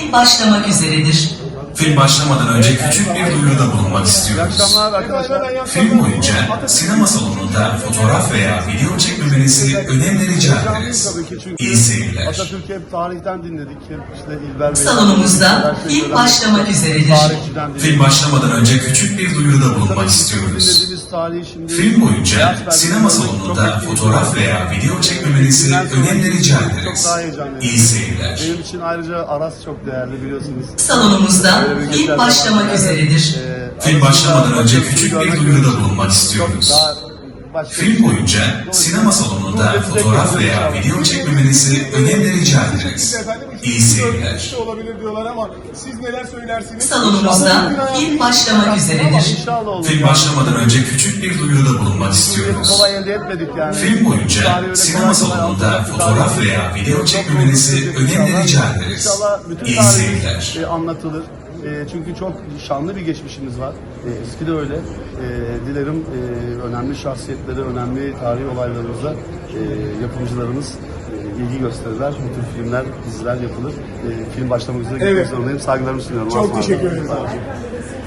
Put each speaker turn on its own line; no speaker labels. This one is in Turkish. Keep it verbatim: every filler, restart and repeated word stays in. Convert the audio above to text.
film başlamak üzeredir.
Film başlamadan önce küçük bir duyuruda bulunmak istiyoruz. Film boyunca sinema salonunda fotoğraf veya video çekmemenizi önemli rica ederiz. İyi seyirler.
Atatürk'ü hep tarihten dinledik. Hep işte İlber Bey.
Salonumuzda film başlamak üzeredir.
Film başlamadan önce küçük bir duyuruda bulunmak istiyoruz. Film boyunca sinema salonunda fotoğraf veya video çekmemenizi önemli rica ederiz. İyi seyirler.
Benim için ayrıca Aras çok değerli, biliyorsunuz.
Salonumuzda film başlamak üzeredir.
Film başlamadan önce küçük bir duyuruda bulunmak istiyoruz. Film boyunca sinema salonunda fotoğraf veya video çekmemenizi önemli rica ederiz. İyi seyirler.
Olabilir diyorlar ama siz neler söylersiniz?
Salonumuzda film başlamak üzeredir.
Film başlamadan önce küçük bir duyuruda bulunmak istiyoruz.
Kolay elde etmedik yani.
Film boyunca sinema salonunda fotoğraf veya video çekmemenizi önemli rica ederiz. İyi seyirler.
E, anlatılır. E, çünkü çok şanlı bir geçmişimiz var. E, eski de öyle. E, dilerim e, önemli şahsiyetleri, önemli tarihi olaylarımızda e, yapımcılarımız e, ilgi gösterirler. Bu tür filmler, diziler yapılır. E, film başlamak üzere gitmek
Evet.
zorundayım. Saygılarımı sunuyorum.
Çok
Aslan.
teşekkür ederim.
Sağ olun.